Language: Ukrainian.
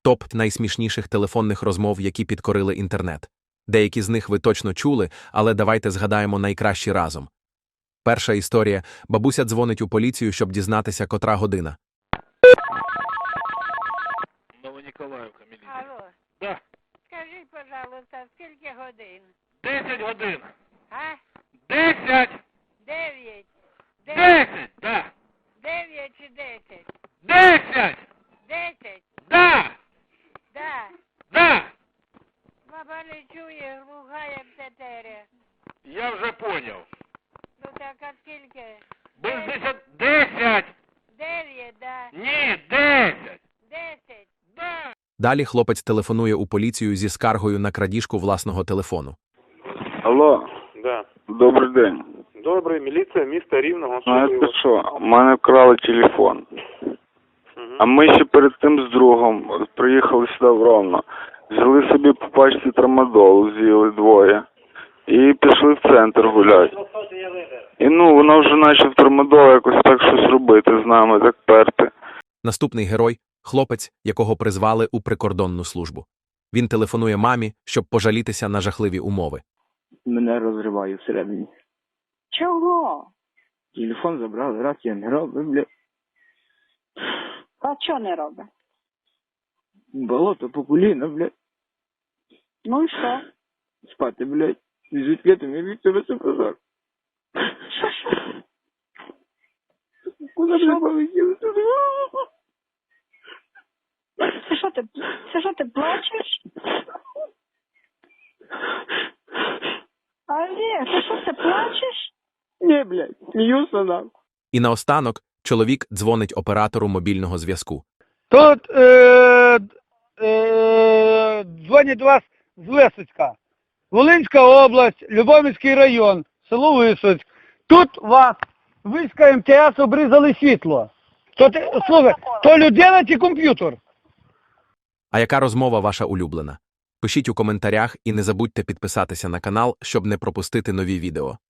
Топ найсмішніших телефонних розмов, які підкорили інтернет. Деякі з них ви точно чули, але давайте згадаємо найкращі разом. Перша історія. Бабуся дзвонить у поліцію, щоб дізнатися, котра година. Новоніколаївка, міліція. Алло, Да. скажіть, пожалуйста, скільки годин? 10 годин. А? 10! 9. 10! Да! 9 чи 10? 10! 10? Да! Да. Да! Баба не чує, глуха як тетеря. Я вже поняв. Ну так, а скільки? Без 10... 10! 9, да. Ні, 10! 10. Да! Далі хлопець телефонує у поліцію зі скаргою на крадіжку власного телефону. Алло, Да. добрий день. Добрий, міліція міста Рівного. Знаєте що, у мене вкрали телефон. А ми ще перед тим з другом приїхали сюди в Ровно. Взяли собі по пачці трамадолу, з'їли двоє. І пішли в центр гуляти. І вона вже наче в трамадолу якось так щось робити з нами, так перти. Наступний герой – хлопець, якого призвали у прикордонну службу. Він телефонує мамі, щоб пожалітися на жахливі умови. Мене розриває всередині. Чого? Телефон забрали, раз я не робив, бля. А чого не робить? Болото по коліна, бля. Ну і що? Спати, блядь. Звідки ти мій від тебе позор? Що? Куди Що? ти полетіли туди? Це що ти плачеш? Олег, ти що ти плачеш? Ні, блядь, сміюся нам. І наостанок чоловік дзвонить оператору мобільного зв'язку. Тут дзвонять до вас з Висоцька. Волинська область, Любомирський район, село Висоцьк. Тут вас війська МТС обрізали світло. Слухай, то людина чи комп'ютер? А яка розмова ваша улюблена? Пишіть у коментарях і не забудьте підписатися на канал, щоб не пропустити нові відео.